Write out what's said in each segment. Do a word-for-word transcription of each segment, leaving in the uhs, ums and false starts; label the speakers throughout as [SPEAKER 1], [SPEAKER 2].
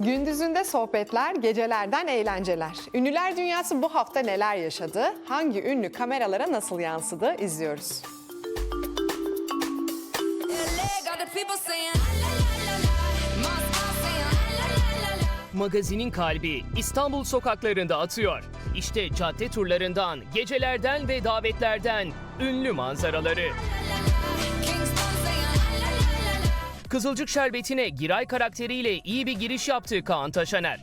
[SPEAKER 1] Gündüzünde sohbetler, gecelerden eğlenceler. Ünlüler dünyası bu hafta neler yaşadı? Hangi ünlü kameralara nasıl yansıdı? İzliyoruz.
[SPEAKER 2] Magazinin kalbi İstanbul sokaklarında atıyor. İşte cadde turlarından, gecelerden ve davetlerden ünlü manzaraları. Kızılcık Şerbeti'ne Giray karakteriyle iyi bir giriş yaptı Kaan Taşaner.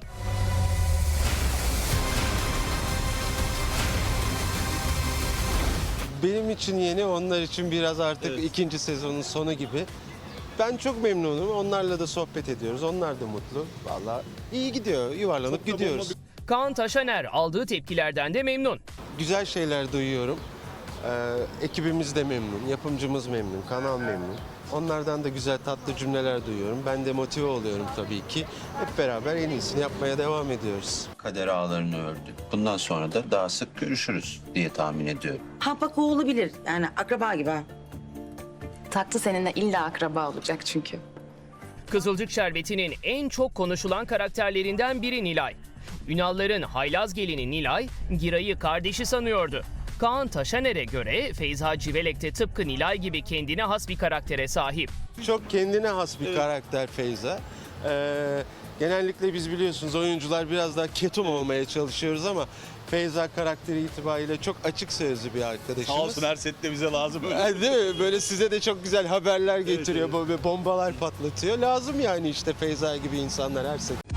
[SPEAKER 3] Benim için yeni, onlar için biraz artık
[SPEAKER 4] Evet.
[SPEAKER 3] ikinci sezonun sonu gibi. Ben çok memnunum. Onlarla da sohbet ediyoruz. Onlar da mutlu. Vallahi iyi gidiyor. Yuvarlanıp
[SPEAKER 4] Çok da
[SPEAKER 3] gidiyoruz.
[SPEAKER 4] bomba
[SPEAKER 2] Kaan Taşaner aldığı tepkilerden de memnun.
[SPEAKER 3] Güzel şeyler duyuyorum. Ee, ekibimiz de memnun, yapımcımız memnun, kanal memnun. Onlardan da güzel tatlı cümleler duyuyorum. Ben de motive oluyorum tabii ki. Hep beraber en iyisini yapmaya devam ediyoruz.
[SPEAKER 5] Kader ağlarını ördü. Bundan sonra da daha sık görüşürüz diye tahmin ediyorum.
[SPEAKER 6] Ha bak o olabilir. Yani akraba gibi ha.
[SPEAKER 7] Taktı seninle illa akraba olacak çünkü.
[SPEAKER 2] Kızılcık Şerbeti'nin en çok konuşulan karakterlerinden biri Nilay. Ünalların haylaz gelini Nilay, Giray'ı kardeşi sanıyordu. Kaan Taşaner'e göre Feyza Civelek de tıpkı Nilay gibi kendine has bir karaktere sahip.
[SPEAKER 3] Çok kendine has bir karakter Feyza. Ee, genellikle biz biliyorsunuz oyuncular biraz daha ketum olmaya çalışıyoruz ama Feyza karakteri itibariyle çok açık sözlü bir arkadaşımız.
[SPEAKER 4] Sağ olsun, her sette bize lazım.
[SPEAKER 3] Yani değil mi? Böyle size de çok güzel haberler getiriyor, böyle bombalar patlatıyor. Lazım yani işte Feyza gibi insanlar her sene.